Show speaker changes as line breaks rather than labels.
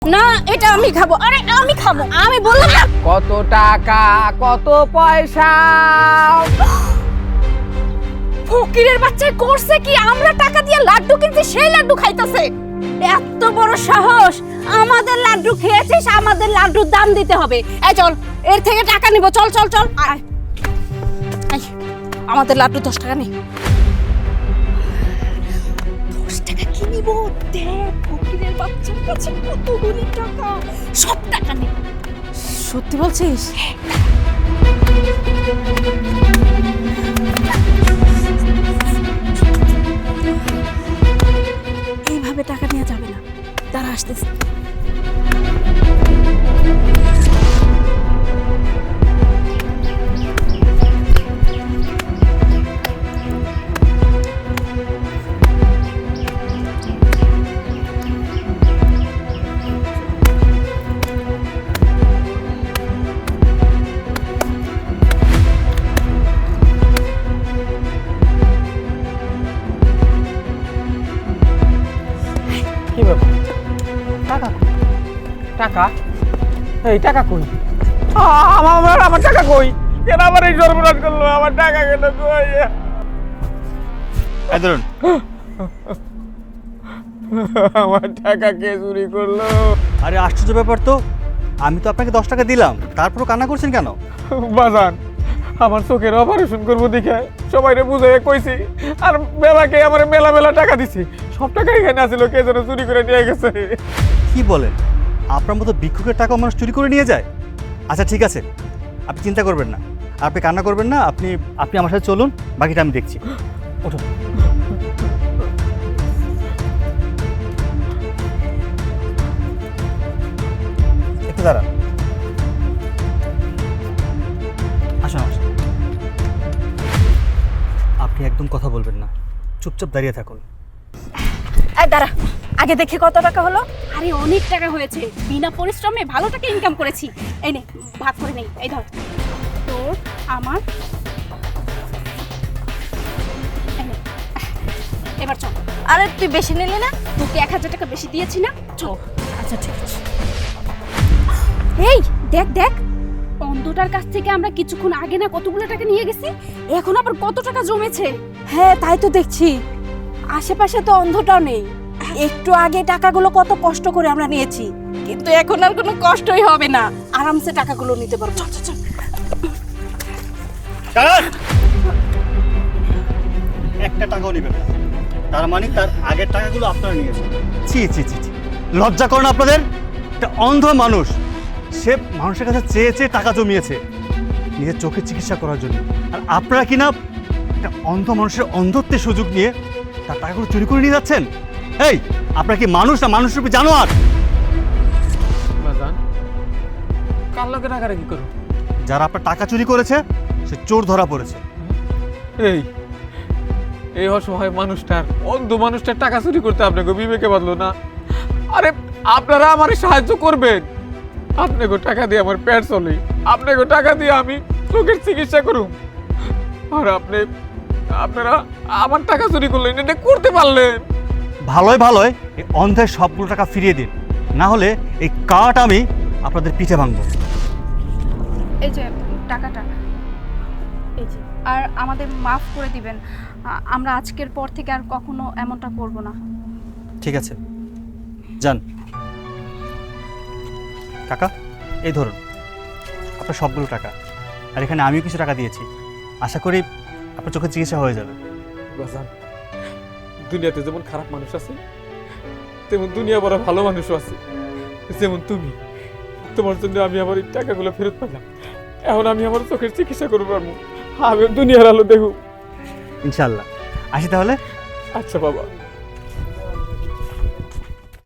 না, এটা আমি খাবো। আরে আমি খাবো, আমি বললাম না।
কত টাকা, কত পয়সা?
ফকিরের বাচ্চা করছে কি? আমরা টাকা দিয়ে লাড্ডু কিনছি, সেই লাড্ডু খাইতেছে। এত বড় সাহস! আমাদের লাড্ডু খেয়েছিস, আমাদের লাড্ডুর দাম দিতে হবে। এই চল, এর থেকে টাকা নিব। চল চল চল, আয় আয়, আমাদের লাড্ডু 10 টাকা নে। 10 টাকা কি নিব? দেখ, ফকিরের বাচ্চার কাছে কতগুলি টাকা, সব টাকা নে। সত্যি বলছিস? এইভাবে টাকা নেওয়া যাবে না, তারা আসতেছে।
কি ব্যাপার? টাকা কই? টাকা? এই টাকা কই? আমার টাকা কই? কেন আমার এই সর্বনাশ করলো? আমার টাকা গেল কই?
এই ধরুন।
আমার টাকা কে চুরি করলো?
আরে আশ্চর্য ব্যাপার তো, আমি তো আপনাকে 10 টাকা দিলাম, তারপরও কান্না করছেন কেন?
বাজান, আমার চোখের অপারেশন করবো দেখে সবাইরে বুঝাই কইছি, আর মেলাকে আমার মেলা মেলা টাকা দিছি। সব টাকা এখানে আছিল, কে যেন চুরি করে নিয়ে গেছে।
কি বলেন? আপনার মতো ভিক্ষুকের টাকা মানুষ চুরি করে নিয়ে যায়? আচ্ছা ঠিক আছে, আপনি চিন্তা করবেন না, আপনি কান্না করবেন না, আপনি আপনি আমার সাথে চলুন, বাকিটা আমি দেখছি। ওঠুন। একটু দাঁড়ান। আসুন আমার সাথে। আপনি একদম কথা বলবেন না, চুপচাপ দাঁড়িয়ে থাকুন।
এই দাঁড়া, আগে দেখে কত টাকা হলো। আরে অনেক টাকা হয়েছে, বিনা পরিশ্রমে ভালো টাকা ইনকাম করেছি। এই নে, ভাগ করে নেই। এই ধর, তোর আমার। এই নে। এবার চল। আরে তুই বেশি নিলি না? তোকে 1000 টাকা বেশি দিয়েছি না? চল। আচ্ছা ঠিক আছে। এই দেখ দেখ, অন্ধটার কাছ থেকে আমরা কিছুক্ষণ আগে না কতগুলো টাকা নিয়ে গেছি, এখন আবার কত টাকা জমেছে। হ্যাঁ তাই তো দেখছি, আশেপাশে তো অন্ধটাও নেই। একটু আগে টাকাগুলো কত কষ্ট করে আমরা নিয়েছি, কিন্তু এখন আর কোনো কষ্টই হবে না, আরামসে টাকাগুলো নিতে পারবো। চল চল চল।
দাঁড়ান! একটা টাকাও নেবেন না, তার মানে তার আগের টাকাগুলো আপনারা নিয়েছেন। ছি ছি ছি ছি, লজ্জা করেন আপনাদের? একটা অন্ধ মানুষ, সে মানুষের কাছে চেয়ে চেয়ে টাকা জমিয়েছে নিজের চোখের চিকিৎসা করার জন্য, আর আপনারা কিনা একটা অন্ধ মানুষের অন্ধত্বের সুযোগ নিয়ে তার টাকাগুলো চুরি করে নিয়ে যাচ্ছেন। এই, আপনারা কি মানুষ না মানুষ রূপে জানোয়ার?
বাজান, কার লগে রাগারাগি করো?
যারা আপনার টাকা চুরি করেছে সে চোর ধরা পড়েছে।
এই এই অসহায় মানুষটার, অন্ধ মানুষটার টাকা চুরি করতে আপনাকে বিবেকে বাঁধলো না? আরে আপনারা আমার সাহায্য করবেন, আপনাকে টাকা দিয়ে আমার পেট চলে, আপনাকে টাকা দিয়ে আমি চোখের চিকিৎসা করুন, আর আপনারা আমার টাকা চুরি করলেন, এটা করতে পারলেন?
ভালোই ভালোই এই অন্ধের সবগুলো টাকা ফিরিয়ে দিন, না হলে এই কাঠ আমি আপনাদের পিঠে ভাঙবো।
এই যে টাকাটা, এই যে, আর আমাদের মাফ করে দিবেন। আমরা আজকের পর থেকে আর কখনো এমনটা করব না।
ঠিক আছে, যান। টাকা এই ধরুন, আপনার সবগুলো টাকা, আর এখানে আমিও কিছু টাকা দিয়েছি, আশা করি আপনার চোখের চিকিৎসা হয়ে যাবে।
বাজান, দুনিয়াতে যেমন খারাপ মানুষ আছে, তেমন দুনিয়া বড় ভালো মানুষও আছে, যেমন তুমি। তোমার জন্য আমি আমার এই টাকাগুলো ফেরত পেলাম, এখন আমি আমার চোখের চিকিৎসা করবো পারবো, আমি দুনিয়ার আলো দেখব।
ইনশাআল্লাহ, আসি তাহলে।
আচ্ছা বাবা।